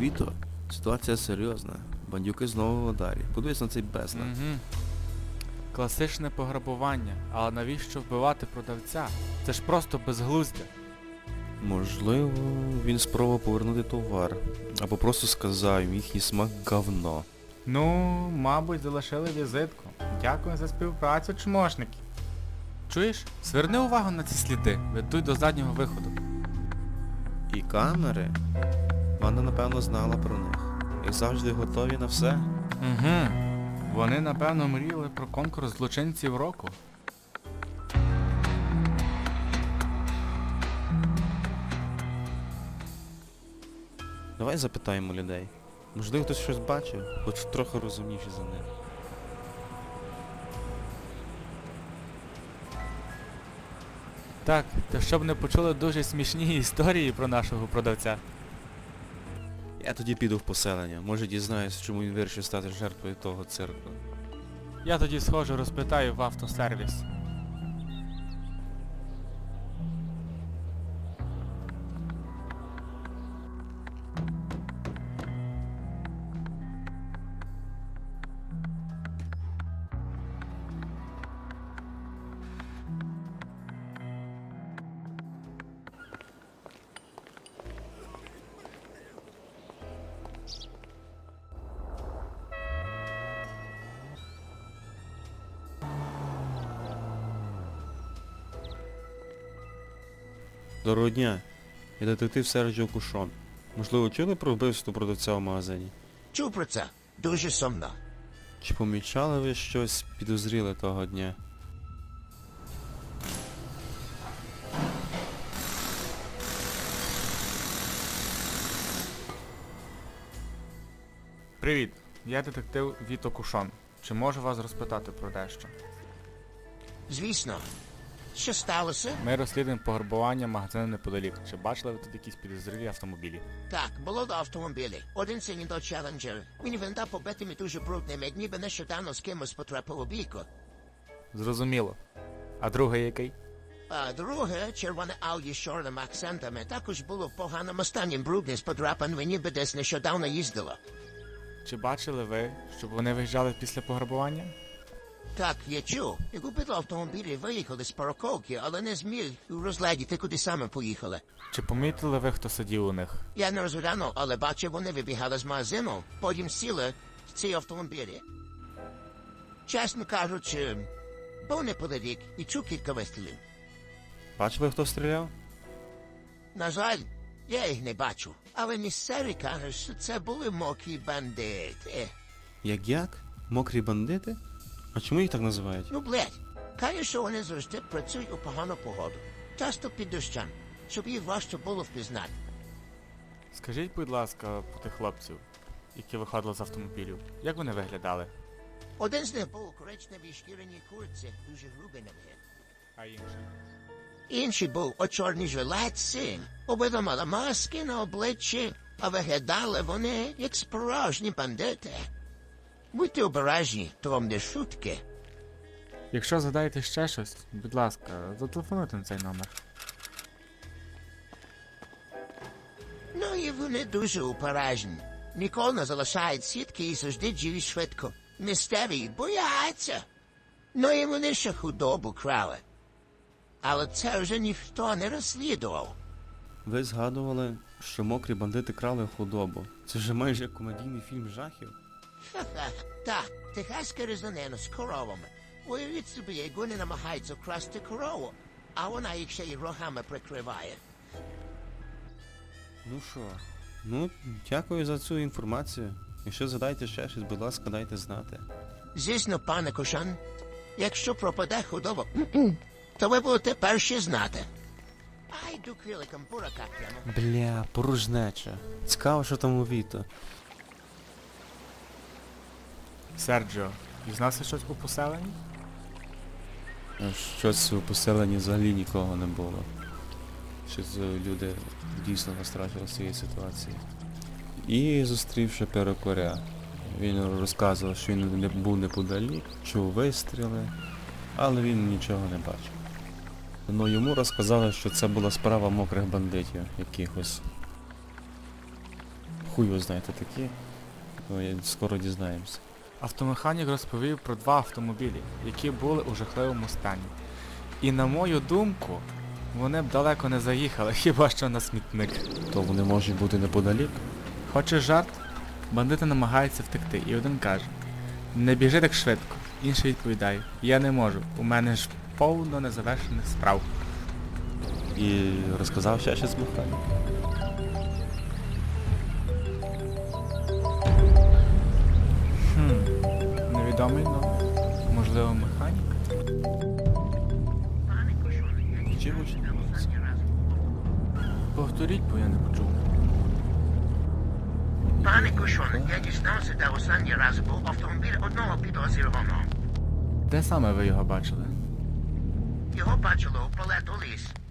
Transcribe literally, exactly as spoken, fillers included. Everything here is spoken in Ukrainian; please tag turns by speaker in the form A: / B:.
A: Віто, ситуація серйозна. Бандюки знову в ударі. Подивись на цей безлад.
B: Угу. Класичне пограбування. Але навіщо вбивати продавця? Це ж просто безглуздя.
A: Можливо, він спробував повернути товар. Або просто сказав їм, їхній смак говно.
B: Ну, мабуть, залишили візитку. Дякую за співпрацю, чмошники. Чуєш? Зверни увагу на ці сліди. Ведуть до заднього виходу.
A: І камери? Вона, напевно, знала про них. Як завжди готові на все.
B: Угу. Вони, напевно, мріяли про конкурс злочинців року.
A: Давай запитаємо людей. Можливо, хтось щось бачив, хоч трохи розумніші за них.
B: Так, та щоб не почули дуже смішні історії про нашого продавця.
A: Я тоді піду в поселення. Може дізнаюсь, чому він вирішив стати жертвою того цирку.
B: Я тоді схожу розпитаю в автосервіс.
A: Доброго дня. Я детектив Серджіо Кушон. Можливо, чули про вбивство продавця в магазині?
C: Чув про це. Дуже сумно.
A: Чи помічали ви щось підозріле того дня?
B: Привіт, я детектив Віто Кушон. Чи можу вас розпитати про дещо?
C: Звісно. Що сталося?
B: Ми розслідуємо пограбування магазину неподалік. Чи бачили ви тут якісь підозрілі автомобілі?
C: Так, було до автомобілі. Один синій до Challenger. Він виглядав побитими дуже брудними, як ніби нещодавно з кимось потрапив у бійку.
B: Зрозуміло. А другий який?
C: А друге, червоне Audi з чорними акцентами, також було в поганому стані, брудне з подрапаними, ніби десь нещодавно їздило.
B: Чи бачили ви, щоб вони виїжджали після пограбування?
C: Так, я чув. Як убито автомобілі виїхали з парковки, але не зміг розглядіти, куди саме поїхали.
B: Чи помітили ви, хто сидів у них?
C: Я не розглянув, але бачив, вони вибігали з магазину, потім сіли в ці автомобілі. Чесно кажучи, був неподалік і чув кілька вистрілів.
A: Бачили, хто стріляв?
C: На жаль, я їх не бачу, але місцеві кажуть, що це були мокрі бандити.
A: Як як? Мокрі бандити? А чому їх так називають?
C: Ну, блядь, кажуть, що вони завжди працюють у погану погоду, часто під дощем, щоб їх важче було впізнати.
B: Скажіть, будь ласка, про тих хлопців, які виходили з автомобілів. Як вони виглядали?
C: Один з них був у коричневій шкіряній куртці, дуже грубий на вигляд.
B: А інший?
C: Інший був у чорній жилетці, обидва мали маски на обличчі, а виглядали вони як справжні бандити. Будьте обережні, то вам не шутки.
B: Якщо згадаєте ще щось, будь ласка, зателефонуйте на цей номер.
C: Ну і вони дуже обережні. Ніколи не залишають сітки і завжди діють швидко. Містерії бояться. Ну і вони ще худобу крали. Але це вже ніхто не розслідував.
A: Ви згадували, що мокрі бандити крали худобу. Це ж майже як комедійний фільм жахів.
C: Ха-ха, так, техаська різанина з коровами. Уявіть собі, як вони намагаються вкрасти корову, а вона їх ще й рогами прикриває.
A: Ну що? Ну, дякую за цю інформацію. Якщо згадаєте ще щось, будь ласка, дайте знати.
C: Звісно, пане Кошан, якщо пропаде худоба, то ви будете перші знати. А йду криликом бурака прямо.
A: Бля, порожнеча. Цікаво, що там у Віто.
B: Серджіо, дізнався щось у поселенні?
A: Щось у поселенні взагалі нікого не було. Щось люди дійсно настрашили з цієї ситуації. І зустрівши перукаря. Він розказував, що він не був неподалік, чув вистріли, але він нічого не бачив. Ну йому розказали, що це була справа мокрих бандитів якихось. хуй його знаєте такі. Ну, я- скоро дізнаємося.
B: Автомеханік розповів про два автомобілі, які були у жахливому стані. І на мою думку, вони б далеко не заїхали, хіба що на смітник.
A: То вони можуть бути неподалік.
B: Хочеш жарт? Бандити намагаються втекти, і один каже: не біжи так швидко. Інший відповідає: я не можу, у мене ж повно незавершених справ.
A: І розказав ще щось механік.
B: Хм, невідомий номер. Можливо, механік?
A: Чи гучно?
B: Повторіть, бо я не почув.
C: Пане Кушон, я дізнався, де останній раз був автомобіль одного підозрюваного.
B: Де саме ви його бачили?
C: Його бачило у палету ліс.